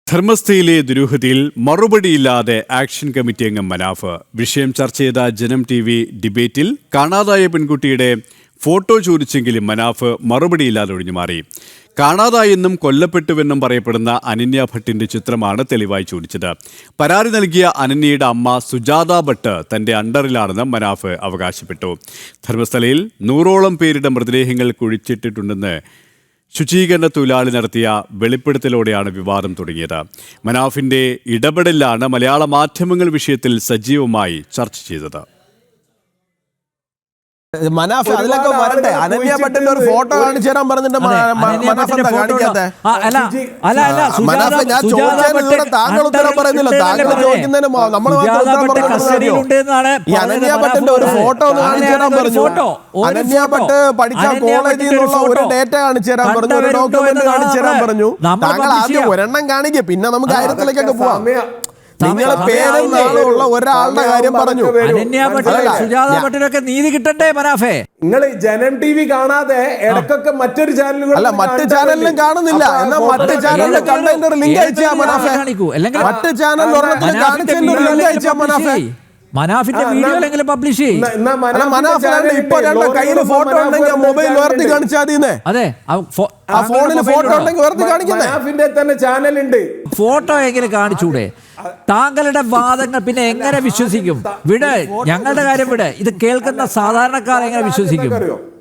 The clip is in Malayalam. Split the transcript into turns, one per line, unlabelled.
ധർമ്മസ്ഥയിലെ ദുരൂഹതയിൽ മറുപടിയില്ലാതെ ആക്ഷൻ കമ്മിറ്റി അംഗം മനാഫ്. വിഷയം ചർച്ച ചെയ്ത ജനം TV ഡിബേറ്റിൽ കാണാതായ പെൺകുട്ടിയുടെ ഫോട്ടോ ചോദിച്ചെങ്കിലും മനാഫ് മറുപടിയില്ലാതെ ഒഴിഞ്ഞുമാറി. കാണാതായെന്നും കൊല്ലപ്പെട്ടുവെന്നും പറയപ്പെടുന്ന അനന്യ ഭട്ടിന്റെ ചിത്രമാണ് തെളിവായി ചോദിച്ചത്. പരാതി നൽകിയ അനന്യയുടെ അമ്മ സുജാത ഭട്ട് തന്റെ അണ്ടറിലാണെന്ന് മനാഫ് അവകാശപ്പെട്ടു. ധർമ്മസ്ഥലയിൽ 100ഓളം പേരുടെ മൃതദേഹങ്ങൾ കുഴിച്ചിട്ടിട്ടുണ്ടെന്ന് ശുചീകരണ തൊഴിലാളി നടത്തിയ വെളിപ്പെടുത്തലോടെയാണ് വിവാദം തുടങ്ങിയത്. മനാഫിന്റെ ഇടപെടലാണ് മലയാള മാധ്യമങ്ങൾ വിഷയത്തിൽ സജീവമായി ചർച്ച ചെയ്തത്.
മനാഫ് അതിലൊക്കെ വരട്ടെ. അനന്യ ഭട്ടിന്റെ ഒരു ഫോട്ടോ കാണിച്ചു തരാൻ പറഞ്ഞിട്ട് മനാഫ് എന്താ കാണിക്കാത്തെ? മനാഫ് ഞാൻ ചോദിച്ചതിന് താങ്കൾ ഉത്തരം പറയുന്നില്ല. താങ്കൾ ചോദിക്കുന്നതിന് നമ്മൾ ഈ അനന്യ ഭട്ടിന്റെ ഒരു ഫോട്ടോ ഒന്ന് കാണിച്ചു തരാൻ പറഞ്ഞു. അനന്യ ഭട്ട് പഠിച്ച കോളേജിൽ നിന്നുള്ള ഒരു ഡേറ്റ കാണിച്ചു തരാൻ പറഞ്ഞു, ഒരു ഡോക്യുമെന്റ് കാണിച്ചു തരാൻ പറഞ്ഞു. താങ്കൾ ആദ്യം ഒരെണ്ണം കാണിക്കുക, പിന്നെ നമുക്ക് കാര്യത്തിലേക്കൊക്കെ പോവാം. നിങ്ങളെ പേരും നാളുള്ള ഒരാളുടെ കാര്യം പറഞ്ഞു.
നീതി കിട്ടണ്ടേ മനാഫേ?
നിങ്ങൾ ജനം TV കാണാതെ ഇടക്കൊക്കെ മറ്റൊരു ചാനലുകൾ
അല്ല, മറ്റു ചാനലിലും കാണുന്നില്ല. എന്നാൽ മറ്റു ചാനലിലെ കണ്ടന്റ് ലിങ്ക് അയച്ചാ മനാഫേ. മറ്റു ചാനൽ കാണിച്ചതിന്റെ ഒരു ലിങ്ക് അയച്ചാ മനാഫേ.
മനാഫിന്റെ വീഡിയോ പബ്ലിഷ് ചെയ്യും.
ഇപ്പൊ കയ്യിൽ ഫോട്ടോ ഉണ്ടെങ്കിൽ മൊബൈൽ ഉയർത്തി കാണിച്ചാൽ മതി.
അതെ,
ആ ഫോണിൽ ഫോട്ടോ ഉണ്ടെങ്കിൽ ഉയർത്തി കാണിക്കുന്നേ.
തന്നെ ചാനലുണ്ട്.
ഫോട്ടോ എങ്ങനെ കാണിച്ചൂടെ? താങ്കളുടെ വാദങ്ങൾ പിന്നെ എങ്ങനെ വിശ്വസിക്കും? വിട്, ഞങ്ങളുടെ കാര്യം വിട്. ഇത് കേൾക്കുന്ന സാധാരണക്കാർ എങ്ങനെ വിശ്വസിക്കും?